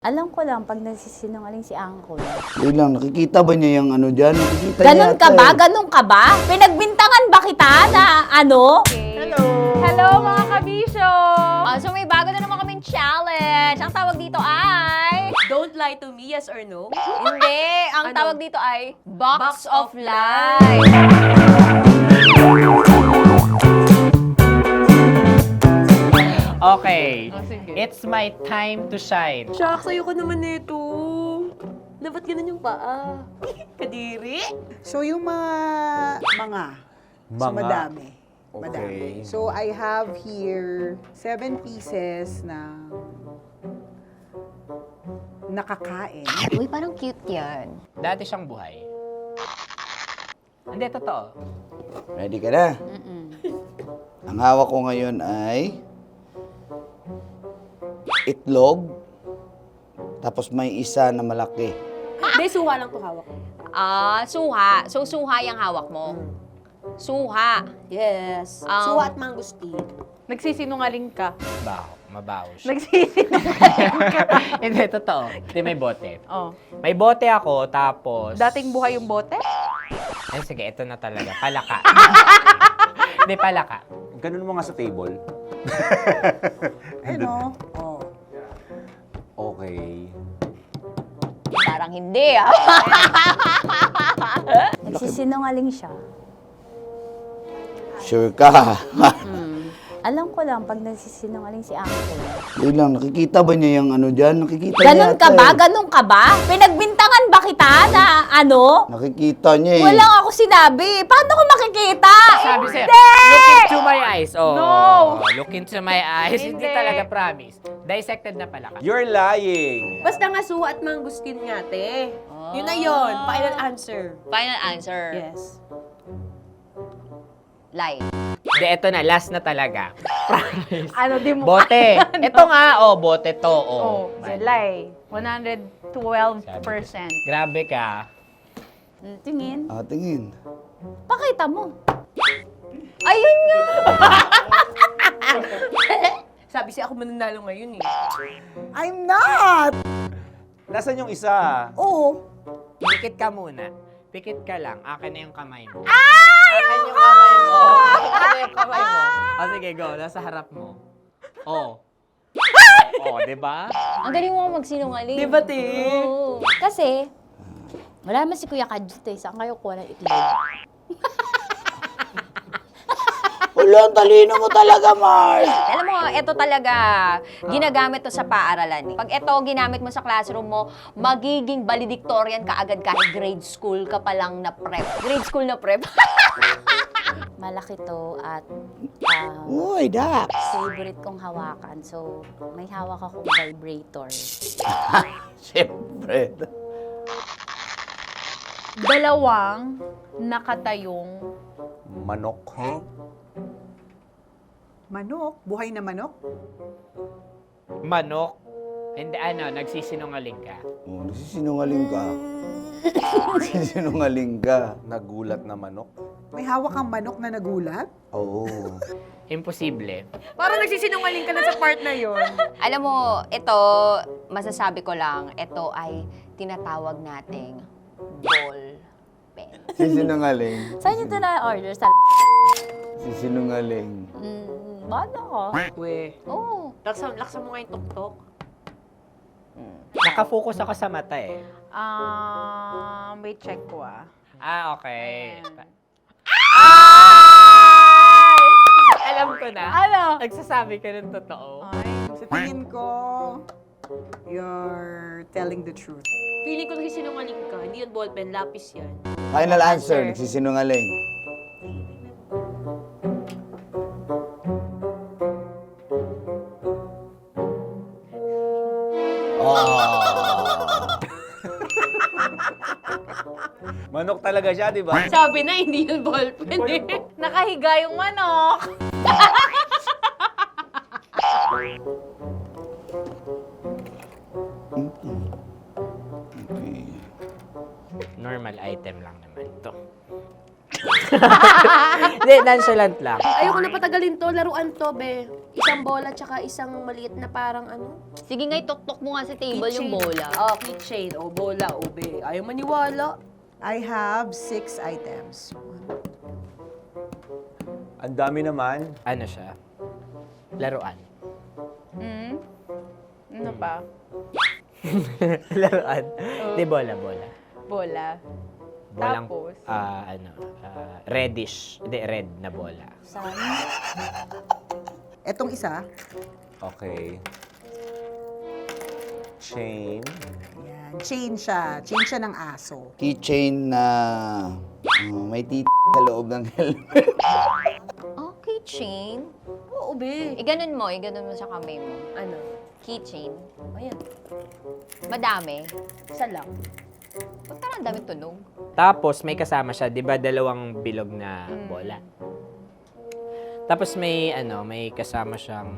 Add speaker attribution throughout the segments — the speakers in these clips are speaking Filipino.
Speaker 1: Alam ko lang pag nagsisinungaling si Uncle.
Speaker 2: Yun lang, nakikita ba niya yung ano dyan? Nakikita
Speaker 1: Ganon
Speaker 2: niya
Speaker 1: ka
Speaker 2: yata
Speaker 1: ba?
Speaker 2: eh.
Speaker 1: Ganon ka ba? Pinagbintangan ba kita na ano?
Speaker 3: Hello!
Speaker 4: Hello mga kabisyo!
Speaker 3: So may bago na naman kaming challenge. Ang tawag dito ay...
Speaker 4: Don't lie to me, yes or no?
Speaker 3: Hindi! Ang
Speaker 4: Ano?
Speaker 3: tawag dito ay Box
Speaker 4: Box
Speaker 3: of
Speaker 4: of
Speaker 3: Lies.
Speaker 5: Okay,
Speaker 4: Oh, sige.
Speaker 5: it's my time to shine.
Speaker 4: Shucks, ayoko naman nito. Dapat ganun yung paa. Kadiri?
Speaker 6: So yung so madami. Madami. So I have here 7 pieces na nakakain.
Speaker 3: Uy, parang cute yan.
Speaker 5: Dati siyang buhay. Hindi, totoo.
Speaker 2: Ready ka na? Ang hawak ko ngayon ay itlog, tapos may isa na malaki.
Speaker 4: Hindi, suha lang to hawak ko.
Speaker 3: Suha. So, suha yung hawak mo. Suha.
Speaker 4: Yes.
Speaker 3: Um,
Speaker 4: Suha at mangustin.
Speaker 7: Nagsisinungaling ka.
Speaker 5: Mabaho siya.
Speaker 7: Nagsisinungaling ka.
Speaker 5: Hindi, totoo. Hindi, may bote.
Speaker 7: Oh.
Speaker 5: May bote ako, tapos...
Speaker 7: Dating buhay yung bote?
Speaker 5: Ay, sige, ito na talaga. Palaka. Hindi, palaka.
Speaker 8: Ganun mo nga sa table.
Speaker 6: Ano? Oh.
Speaker 8: Okay.
Speaker 3: Parang hindi ah.
Speaker 1: Nagsisinungaling siya.
Speaker 2: Sure ka?
Speaker 1: Alam ko lang pag nagsisinungaling si Uncle.
Speaker 2: Yun lang, nakikita ba niya yung ano dyan? Nakikita
Speaker 1: Ganon
Speaker 2: niya
Speaker 1: ka
Speaker 2: yata
Speaker 1: ba?
Speaker 2: eh.
Speaker 1: Ganon ka ba? Pinagbintangan ba kita na ano?
Speaker 2: Nakikita niya eh.
Speaker 1: Walang ako sinabi. Paano ko makikita?
Speaker 5: Sabi sa'yo,
Speaker 1: Hindi!
Speaker 5: look into my eyes. Oh,
Speaker 7: No!
Speaker 5: Look into my eyes. Hindi
Speaker 7: Hindi.
Speaker 5: talaga promise. Dissected na palaka.
Speaker 8: You're lying!
Speaker 4: Basta nga suha at mangustin nga, te. Yun na yun. Final answer.
Speaker 3: Final answer.
Speaker 4: Yes.
Speaker 3: Lie.
Speaker 5: Hindi, ito na. Last na talaga. Promise.
Speaker 7: Ano di mo?
Speaker 5: Bote. Ito nga, bote to.
Speaker 7: Oh, lie. 112%.
Speaker 5: Grabe ka.
Speaker 1: Tingin.
Speaker 2: Tingin.
Speaker 1: Pakita mo.
Speaker 3: Ayun nga!
Speaker 4: Sabi siya ako mananalo ngayon eh.
Speaker 6: I'm not!
Speaker 8: Nasaan yung isa?
Speaker 6: Oh,
Speaker 5: Pikit ka muna. Pikit ka lang. Akin na yung kamay mo. Akin yung kamay mo. Akin na yung kamay mo. O sige, go. Nasa harap mo. Di ba?
Speaker 3: Ang galing mo magsinungaling.
Speaker 4: Di ba, te?
Speaker 3: Oo.
Speaker 1: Kasi, wala naman si Kuya Kadjut eh. Saan kayo kuha ng itlog?
Speaker 2: Wala, ang talino mo talaga, Mars.
Speaker 3: Alam mo, ito talaga, ginagamit to sa paaralan. Pag ito ginamit mo sa classroom mo, magiging valedictorian ka agad kahit grade school ka pa lang na prep. Grade school na prep.
Speaker 1: Malaki to at
Speaker 2: Uy, Dax.
Speaker 1: favorite kong hawakan. So, may hawak akong vibrator.
Speaker 2: Siyempre.
Speaker 7: Dalawang nakatayong
Speaker 8: Manok.
Speaker 6: manok. Buhay na manok.
Speaker 5: Manok. Hindi, nagsisinungaling ka.
Speaker 2: Oh, nagsisinungaling ka. Nagsisinungaling ka.
Speaker 8: Nagulat na manok.
Speaker 6: May hawak kang manok na nagulat.
Speaker 2: Oo.
Speaker 5: Imposible.
Speaker 7: Parang nagsisinungaling ka na sa part na yon.
Speaker 3: Alam mo, ito, masasabi ko lang, ito ay tinatawag nating ball pen.
Speaker 2: Sisinungaling.
Speaker 1: Saan nyo ito na-order? Sa
Speaker 2: Sisinungaling.
Speaker 1: Bala ko.
Speaker 4: We.
Speaker 3: Oo.
Speaker 4: Laksan mo nga yung tok-tok.
Speaker 5: Nakafocus ako sa mata eh.
Speaker 7: Wait, check ko ah.
Speaker 5: Okay.
Speaker 7: Ayan.
Speaker 5: Alam ko na.
Speaker 7: Ano?
Speaker 5: Nagsasabi ka ng totoo.
Speaker 6: Sa tingin ko, you're telling the truth.
Speaker 4: Feeling ko nagsisinungaling ka. Hindi yun ballpen, lapis yan.
Speaker 2: Final answer, nagsisinungaling.
Speaker 8: Manok talaga siya, di ba?
Speaker 4: Sabi na, hindi yun ballpen eh.
Speaker 7: Nakahiga yung manok.
Speaker 2: Okay.
Speaker 5: Normal item lang naman to. Hindi, nonchalant lang.
Speaker 4: Ayoko na patagalin to, laruan to, be. Isang bola tsaka isang maliit na parang ano.
Speaker 3: Sige nga, ituktok mo nga sa table yung
Speaker 4: keychain.
Speaker 3: bola.
Speaker 4: Oh, keychain. O, bola. O, be. Ayaw maniwala.
Speaker 6: I have 6 items.
Speaker 8: Ang dami naman.
Speaker 5: Ano siya? Laruan.
Speaker 7: Ano pa?
Speaker 5: Laruan. Di, bola.
Speaker 7: Bola.
Speaker 5: Bolang,
Speaker 7: Tapos?
Speaker 5: reddish. Hindi, red na bola.
Speaker 6: Etong isa,
Speaker 8: Okay. Chain.
Speaker 6: ayan, chain siya. Chain siya ng aso.
Speaker 2: Keychain na may sa loob ng helmet.
Speaker 3: Oh, keychain.
Speaker 4: Oo, be.
Speaker 3: Iganon mo sa kamay mo.
Speaker 4: Ano?
Speaker 3: Keychain.
Speaker 4: Ayan.
Speaker 3: Madami.
Speaker 4: Isa lang.
Speaker 3: Ba't parang ang daming tunog?
Speaker 5: Tapos, may kasama siya, di ba, dalawang bilog na bola. Tapos may, may kasama siyang...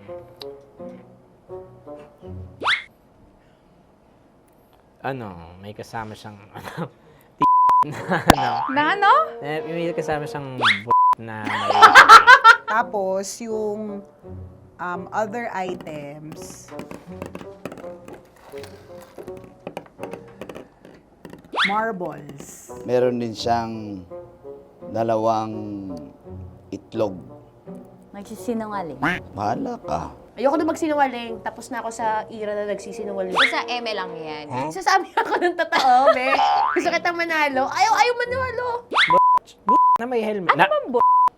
Speaker 5: may kasama siyang,
Speaker 7: Na ano?
Speaker 5: may kasama siyang na may...
Speaker 6: Tapos, yung other items, marbles.
Speaker 2: Meron din siyang dalawang itlog.
Speaker 1: Nagsisinungaling.
Speaker 2: Bahala ka.
Speaker 4: Ayoko na magsinungaling. Tapos na ako sa era na nagsisinungaling.
Speaker 3: Sa eme lang yan.
Speaker 4: Sasabi ako ng totoo, be. Gusto kitang manalo. Ayaw manalo.
Speaker 5: na may helmet. Ano bang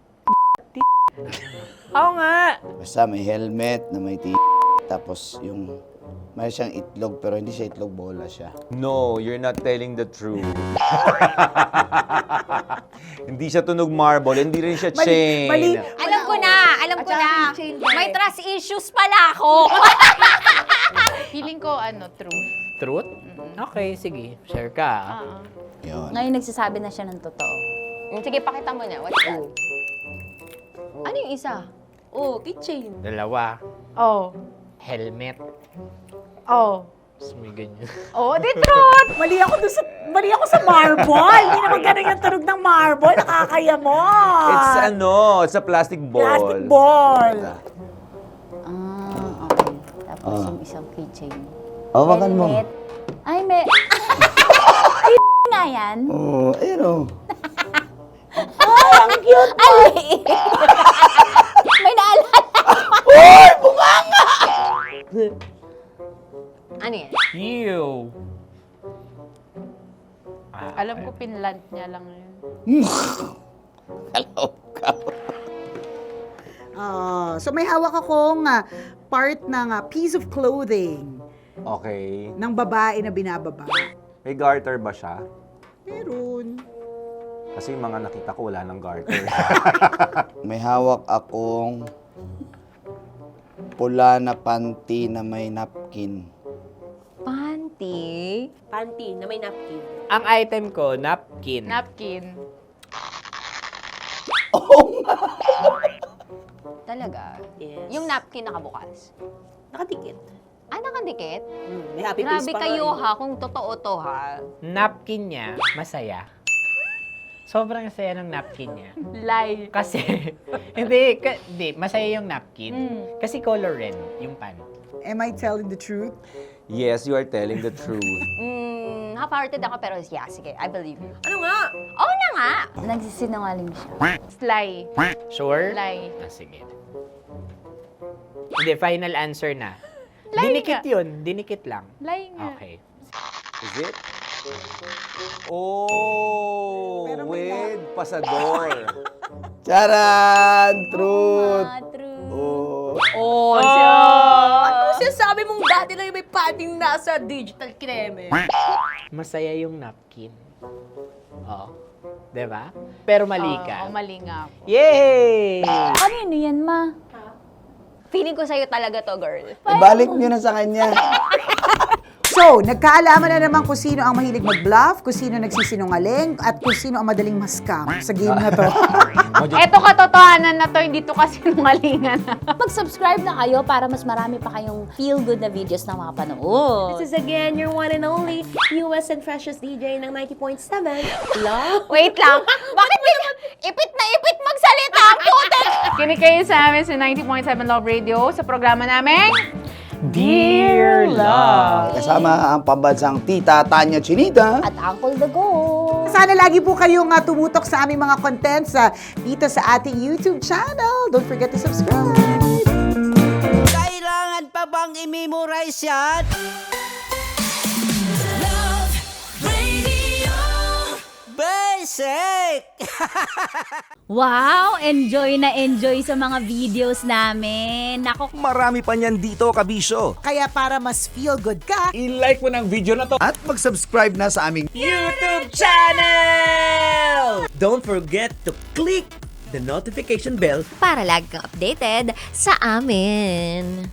Speaker 5: Oo nga.
Speaker 2: Basta may helmet na may tapos yung may siyang itlog pero hindi siya itlog, bola siya.
Speaker 8: No, you're not telling the truth. Hindi siya tunog marble, hindi rin siya chain.
Speaker 6: mali.
Speaker 3: Alam ko na.
Speaker 4: At saka keychain, be.
Speaker 3: May trust issues pala ako.
Speaker 7: Feeling ko, truth.
Speaker 5: Truth? Okay, sige. Share ka.
Speaker 2: Yun.
Speaker 1: Ngayon nagsasabi na siya ng totoo.
Speaker 3: Sige, pakita mo na. What's that? Ano yung isa?
Speaker 4: Oh, keychain.
Speaker 5: Dalawa.
Speaker 7: Oh.
Speaker 5: Helmet.
Speaker 7: Oh.
Speaker 5: Tapos may ganyan.
Speaker 7: Oh, di truth!
Speaker 6: Mali ako sa marble. Hindi naman ganun yung tunog ng marble. Nakakaya mo.
Speaker 8: It's a plastic ball.
Speaker 6: Plastic ball.
Speaker 1: Okay. Tapos yung isang keychain.
Speaker 2: Hawakan mo.
Speaker 1: Helmet. Ay, may... Ay, nga yan.
Speaker 2: Oh, ayun oh.
Speaker 1: Ay, ang cute mo. Ay, may naalala.
Speaker 3: Ano yan?
Speaker 5: Ew!
Speaker 7: Alam ko, pinlant niya lang yun.
Speaker 2: Hello ka.
Speaker 6: So may hawak akong part ng piece of clothing
Speaker 8: Okay.
Speaker 6: ng babae na binababa.
Speaker 8: May garter ba siya?
Speaker 6: Meron.
Speaker 8: Kasi yung mga nakita ko wala ng garter.
Speaker 2: May hawak akong pula na panty na may napkin.
Speaker 3: Panty?
Speaker 4: Panty na may napkin.
Speaker 5: Ang item ko, napkin.
Speaker 7: Napkin.
Speaker 3: Talaga?
Speaker 4: Yes.
Speaker 3: Yung napkin nakabukas?
Speaker 4: Nakadikit.
Speaker 3: Nakadikit?
Speaker 4: May happy face
Speaker 3: Grabe
Speaker 4: pa
Speaker 3: kayo
Speaker 4: nga,
Speaker 3: ha, kung totoo to ha.
Speaker 5: Napkin niya, masaya. Sobrang saya ng napkin niya.
Speaker 7: Lie.
Speaker 5: Kasi, hindi, masaya yung napkin. Kasi color red yung pan.
Speaker 6: Am I telling the truth?
Speaker 8: Yes, you are telling the truth.
Speaker 3: Half-hearted ako pero yeah, sige, I believe you.
Speaker 4: Ano nga?
Speaker 3: Oo na nga!
Speaker 1: Nagsisinungaling siya.
Speaker 7: Lie.
Speaker 5: Sure?
Speaker 7: Lie.
Speaker 5: Sige. Hindi, final answer na.
Speaker 7: Lie
Speaker 5: Dinikit
Speaker 7: nga.
Speaker 5: yun. Dinikit lang.
Speaker 7: Lie nga.
Speaker 5: Okay.
Speaker 8: Is it? Oh,
Speaker 6: Pero may
Speaker 8: with pasador.
Speaker 2: Charan! Truth!
Speaker 1: True.
Speaker 2: Oh.
Speaker 3: Oh,
Speaker 4: Ano sinasabi mong dati lang yung may padding nasa digital kreme?
Speaker 5: Masaya yung napkin. Oo. Diba? Pero mali ka.
Speaker 7: Oo, mali nga ako.
Speaker 5: Yay!
Speaker 1: Kanino yan, ma?
Speaker 3: Feeling ko sa'yo talaga to, girl.
Speaker 2: Ibalik nyo na sa kanya.
Speaker 6: So, nagkaalaman na naman kung sino ang mahilig mag-bluff, kung sino nagsisinungaling, at kung sino ang madaling ma-scam sa game na to.
Speaker 7: Eto katotohanan na to, hindi to kasi nungalingan.
Speaker 1: Mag-subscribe na kayo para mas marami pa kayong feel-good na videos na mapapanood.
Speaker 4: This is again your one and only newest and freshest DJ ng 90.7. Love.
Speaker 3: Wait lang. Bakit may ipit na ipit magsalita ang putik?
Speaker 7: Kinig kayo sa amin sa 90.7 Love Radio sa programa namin,
Speaker 8: Dear Love.
Speaker 2: Kasama ang pambansang tita Tanya Chinita.
Speaker 1: At Uncle Dago.
Speaker 6: Sana lagi po kayong tumutok sa aming mga contents dito sa ating YouTube channel. Don't forget to subscribe.
Speaker 9: Kailangan pa bang i-memorize yan? Love Radio Basic!
Speaker 10: Wow! Enjoy na enjoy sa mga videos namin. Nako,
Speaker 9: Marami pa niyan dito, kabisyo.
Speaker 6: Kaya para mas feel good ka,
Speaker 8: I-like mo ng video na to.
Speaker 2: At mag-subscribe na sa aming
Speaker 9: YouTube channel! Don't forget to click the notification bell
Speaker 3: Para lagi kang updated sa amin.